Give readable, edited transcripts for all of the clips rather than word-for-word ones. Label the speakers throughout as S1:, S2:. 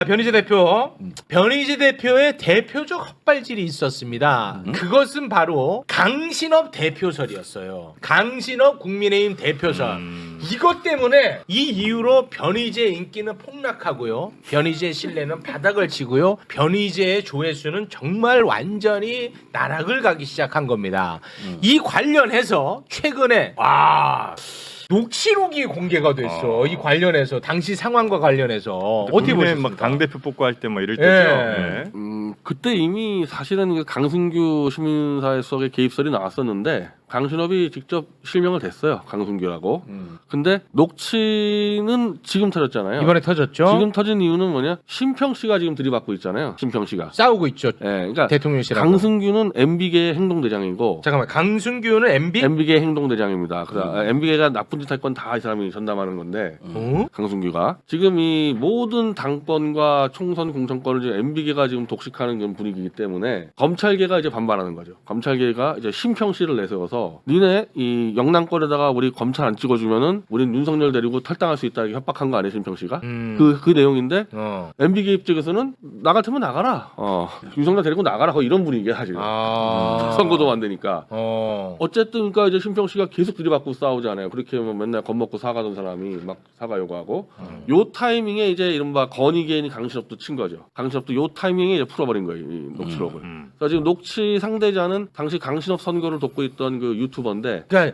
S1: 변희재 대표, 변희재 대표의 대표적 헛발질이 있었습니다. 그것은 바로 강신업 대표설이었어요. 강신업 국민의힘 대표설. 이것 때문에 이 이후로 변희재 인기는 폭락하고요. 변희재 신뢰는 바닥을 치고요. 변희재의 조회수는 정말 완전히 나락을 가기 시작한 겁니다. 이 관련해서 최근에 녹취록이 공개가 됐어. 이 관련해서 당시 상황과 관련해서 어떻게 보셨습니까?
S2: 막 당대표 뽑고 할 때 뭐 이럴
S1: 예.
S2: 때죠.
S3: 그때 이미 사실은 그 강승규 시민사회 수석의 개입설이 나왔었는데 강신업이 직접 실명을 댔어요. 강승규라고. 근데 녹취는 지금 터졌잖아요.
S1: 이번에 터졌죠.
S3: 지금 터진 이유는 뭐냐? 심평 씨가 지금 들이받고 있잖아요. 심평 씨가.
S1: 싸우고 있죠.
S3: 예, 그러니까
S1: 대통령실하고.
S3: 강승규는 MB계의 행동대장이고
S1: 잠깐만, 강승규는 MB?
S3: MB계 행동대장입니다. MB계가 나쁜 짓 할 건 다 이 사람이 전담하는 건데 강승규가 지금 이 모든 당권과 총선 공천권을 지금 MB계가 지금 독식하는 그런 분위기이기 때문에 검찰계가 이제 반발하는 거죠. 검찰계가 이제 심평 씨를 내세워서 니네 이 영남권에다가 우리 검찰 안 찍어주면은 우린 윤석열 데리고 탈당할 수 있다 이렇게 협박한 거 아니에요, 심평 씨가? 그 내용인데 MB계 입장에서는 나 같으면 나가라. 윤석열 데리고 나가라. 이런 분위기야 사실. 선거도 안 되니까. 어쨌든 그러니까 이제 심평 씨가 계속 들이받고 싸우잖아요. 그렇게 하면 맨날 겁먹고 사가던 사람이 막 사과 요구하고 요 타이밍에 이제 이른바 건의계인이 강신업도 친 거죠. 강신업도 요 타이밍에 이제 풀어버린 거예요. 이 녹취록을. 그래서 지금 녹취 상대자는 당시 강신업 선거를 돕고 있던 그 유튜버인데
S1: 그러니까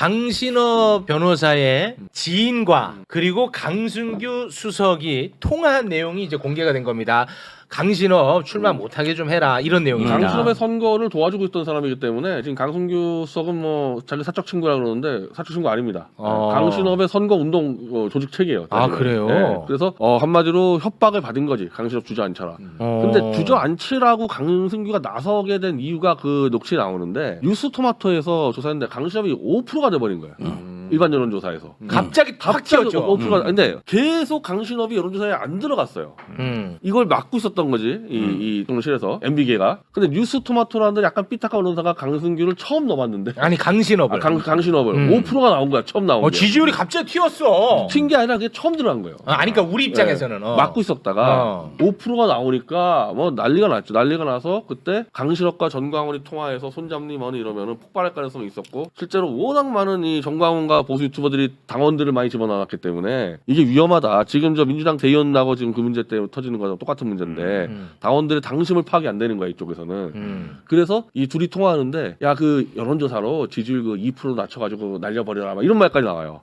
S1: 강신업 변호사의 지인과 그리고 강승규 수석이 통화한 내용이 이제 공개가 된 겁니다. 강신업 출마 못하게 좀 해라 이런 내용입니다.
S3: 강신업의 선거를 도와주고 있던 사람이기 때문에 지금 강승규 수석은 뭐 자기 사적 친구라 그러는데 사적 친구 아닙니다. 강신업의 선거 운동 조직 체계예요.
S1: 그래요?
S3: 네. 그래서 한마디로 협박을 받은 거지. 강신업 주저앉혀라. 근데 주저앉히라고 강승규가 나서게 된 이유가 그 녹취에 나오는데 뉴스토마토에서 조사했는데 강신업이 5%가 돼버린 거예요. 일반 여론조사에서
S1: 갑자기 탁 튀었죠.
S3: 5%가 근데 계속 강신업이 여론조사에 안 들어갔어요. 이걸 막고 있었던 거지 이 동실에서 MB계가. 근데 뉴스토마토라는 약간 삐딱한 언론사가 강승규를 처음 넣어봤는데
S1: 아니 강신업을
S3: 강신업을 5%가 나온 거야. 처음 나온 거야.
S1: 지지율이 갑자기 튀었어.
S3: 튄 게 아니라 그게 처음 들어간 거예요.
S1: 아니 그러니까 우리 입장에서는
S3: 막고 있었다가 5%가 나오니까 뭐 난리가 났죠. 난리가 나서 그때 강신업과 전광훈이 통화해서 손잡니 뭐니 이러면은 폭발할 가능성이 있었고 실제로 워낙 많은 이 전광훈과 보수 유튜버들이 당원들을 많이 집어넣었기 때문에 이게 위험하다. 지금 저 민주당 대의원 나고 지금 그 문제 때문에 터지는 거랑 똑같은 문제인데 당원들의 당심을 파악이 안 되는 거야 이쪽에서는. 그래서 이 둘이 통화하는데 야 그 여론조사로 지지율 그 2% 낮춰가지고 날려버려라 막 이런 말까지 나와요.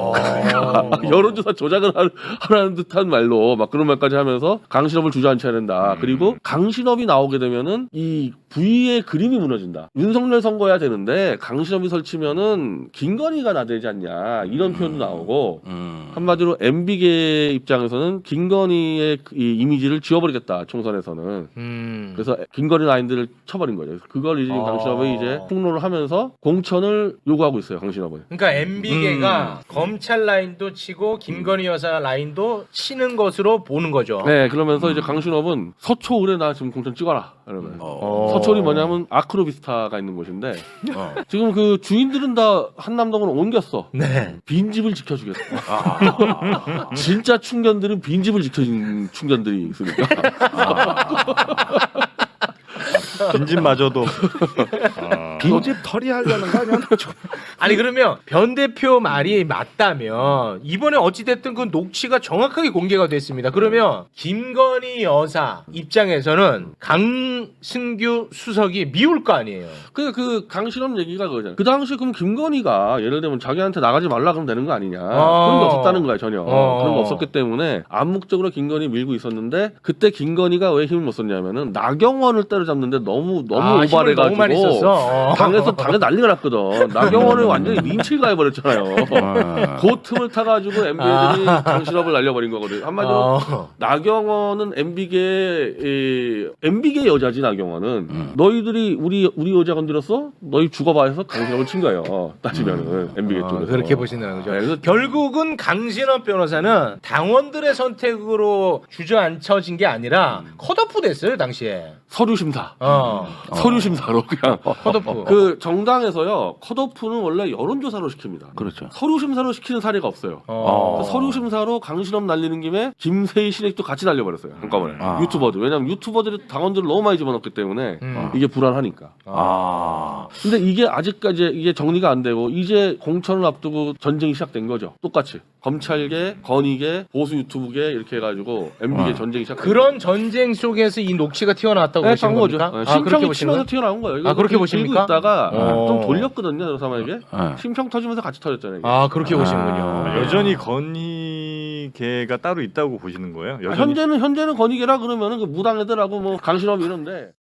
S3: 여론조사 조작을 하라는 듯한 말로 막 그런 말까지 하면서 강신업을 주저앉혀야 된다. 그리고 강신업이 나오게 되면은 이 부의의 그림이 무너진다. 윤석열 선거해야 되는데 강신업이 설치면은 김건희가 나대지 않냐 이런 표현도 나오고 한마디로 MB계 입장에서는 김건희의 이 이미지를 지워버리겠다 총선에서는. 그래서 김건희 라인들을 쳐버린 거죠. 그걸 이제 강신업이 이제 폭로를 하면서 공천을 요구하고 있어요. 강신업은.
S1: 그러니까 MB계가 검찰 라인도 치고 김건희 여사 라인도 치는 것으로 보는 거죠.
S3: 네, 그러면서 이제 강신업은 서초을에 나 지금 공천 찍어라. 이러면 서초이 뭐냐면 아크로비스타가 있는 곳인데 지금 그 주인들은 다 한남동으로 옮겼어.
S1: 네.
S3: 빈집을 지켜주겠어. 진짜 충견들은 빈집을 지켜준 충견들이 있으니까.
S2: 빈집마저도
S4: 빈집 털이 하려는 거 아니야?
S1: 아니 그러면 변 대표 말이 맞다면 이번에 어찌됐든 그 녹취가 정확하게 공개가 됐습니다. 그러면 김건희 여사 입장에서는 강승규 수석이 미울 거 아니에요.
S3: 그 강신업 얘기가 그거잖아요. 그 당시 그럼 김건희가 예를 들면 자기한테 나가지 말라 그러면 되는 거 아니냐. 그런 게 없었다는 거야 전혀. 그런 거 없었기 때문에 암묵적으로 김건희 밀고 있었는데 그때 김건희가 왜 힘을 못 썼냐면은 나경원을 때려잡는데 너무 오버해가지고
S1: 너무 많이 썼어.
S3: 당에서 난리가 났거든. 나경원을 완전히 린치를 가해버렸잖아요. 그 틈을 타가지고 MB들이 강신업을 날려버린 거거든. 한마디로 나경원은 MB계 여자지. 나경원은 너희들이 우리 여자 건드렸어? 너희 죽어봐 해서 강신업을 친 거예요. 따지면은 MB계 쪽에서
S1: 그렇게 보신다는 거죠.
S3: 네, 그래서
S1: 결국은 강신업 변호사는 당원들의 선택으로 주저앉혀진 게 아니라 컷오프 됐어요 당시에.
S3: 서류 심사.
S1: 서류
S3: 서류 심사로 그냥
S1: 컷오프.
S3: 그 정당에서요 컷오프는 원래 여론조사로 시킵니다.
S4: 그렇죠.
S3: 서류 심사로 시키는 사례가 없어요.
S1: 어.
S3: 그래서 서류 심사로 강신업 날리는 김에 김세희 신익도 같이 날려버렸어요. 한꺼번에
S4: 아.
S3: 유튜버들. 왜냐면 유튜버들이 당원들을 너무 많이 집어넣기 때문에 이게 불안하니까.
S4: 아.
S3: 근데 이게 아직까지 이게 정리가 안 되고 이제 공천을 앞두고 전쟁이 시작된 거죠. 똑같이 검찰계, 건의계, 보수 유튜브계 이렇게 해가지고 MB계 전쟁이 시작.
S1: 그런 전쟁 속에서 이 녹취가 튀어나왔다고 보시는
S3: 거죠.
S1: 겁니까?
S3: 심평이
S1: 그렇게 보시는
S3: 치면서
S1: 거예요?
S3: 튀어나온 거예요.
S1: 아, 그렇게
S3: 들고
S1: 보십니까?
S3: 있다가 좀
S1: 어.
S3: 돌렸거든요, 저 사람에게.
S4: 네.
S3: 심평 터지면서 같이 터졌잖아요. 이게.
S1: 아 그렇게 보시는군요.
S2: 아, 여전히 건의계가 따로 있다고 보시는 거예요? 여전히
S3: 현재는 건의계라 그러면은 그 무당 애들하고 뭐 강신업 이런데.